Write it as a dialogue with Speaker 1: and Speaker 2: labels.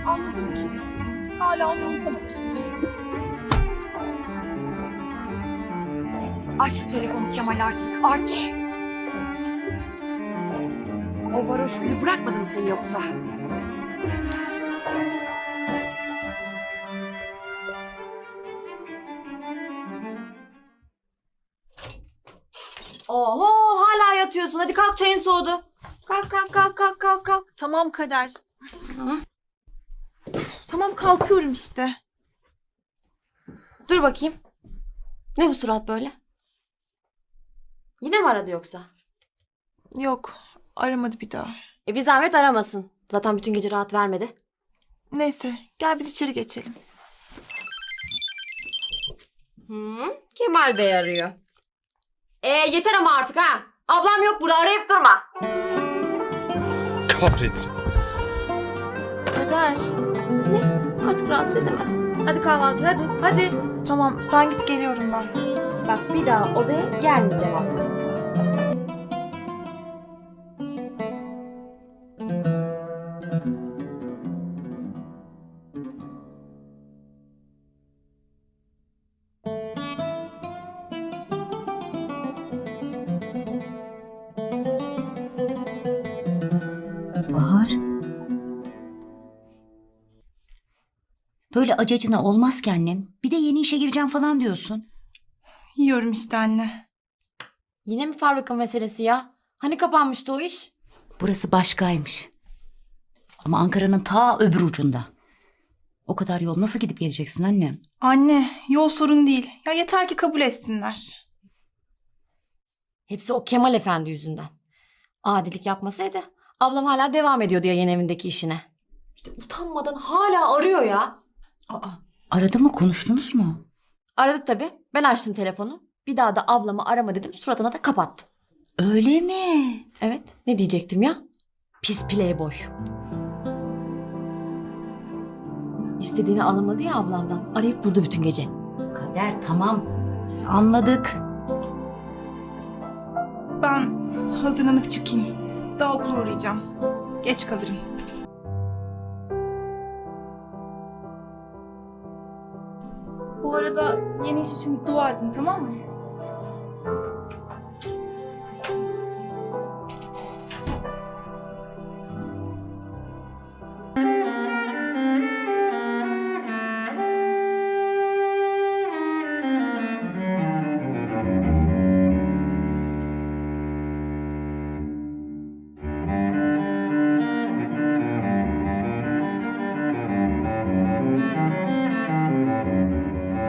Speaker 1: Anladım ki hala onu unutamadım.
Speaker 2: Aç şu telefonu Kemal artık, aç. O varoş gülü bırakmadı mı seni yoksa? Oho, hala yatıyorsun. Hadi kalk, çayın soğudu. Kalk, kalk, kalk, kalk, kalk, kalk.
Speaker 1: Tamam Kader.
Speaker 2: Hı?
Speaker 1: Tamam kalkıyorum işte.
Speaker 2: Dur bakayım. Ne bu surat böyle? Yine mi aradı yoksa?
Speaker 1: Yok aramadı bir daha.
Speaker 2: Bir zahmet aramasın. Zaten bütün gece rahat vermedi.
Speaker 1: Neyse gel biz içeri geçelim.
Speaker 2: Kemal Bey arıyor. Yeter ama artık ha. Ablam yok burada, arayıp durma.
Speaker 3: Kahretsin.
Speaker 1: Kader.
Speaker 2: Ne? Artık rahatsız edemez. Hadi kahvaltı, hadi, hadi.
Speaker 1: Tamam sen git geliyorum ben.
Speaker 2: Bak bir daha odaya gelmeyeceğim abla.
Speaker 4: Bahar. Böyle acacına olmaz ki annem. Bir de yeni işe gireceğim falan diyorsun.
Speaker 1: Yiyorum işte anne.
Speaker 2: Yine mi fabrika meselesi ya? Hani kapanmıştı o iş?
Speaker 4: Burası başkaymış. Ama Ankara'nın ta öbür ucunda. O kadar yol nasıl gidip geleceksin annem?
Speaker 1: Anne yol sorun değil. Ya yeter ki kabul etsinler.
Speaker 2: Hepsi o Kemal Efendi yüzünden. Adilik yapmasaydı ablam hala devam ediyordu ya yeni evindeki işine. İşte utanmadan hala arıyor ya.
Speaker 4: Aa, aradı mı, konuştunuz mu?
Speaker 2: Aradı tabii. Ben açtım telefonu. Bir daha da ablamı arama dedim. Suratına da kapattım.
Speaker 4: Öyle mi?
Speaker 2: Evet. Ne diyecektim ya? Pis playboy. İstediğini alamadı ya ablamdan. Arayıp durdu bütün gece.
Speaker 4: Kader, tamam. Anladık.
Speaker 1: Ben hazırlanıp çıkayım. Daha okula uğrayacağım. Geç kalırım. Bu arada yeni iş için dua edin tamam mı?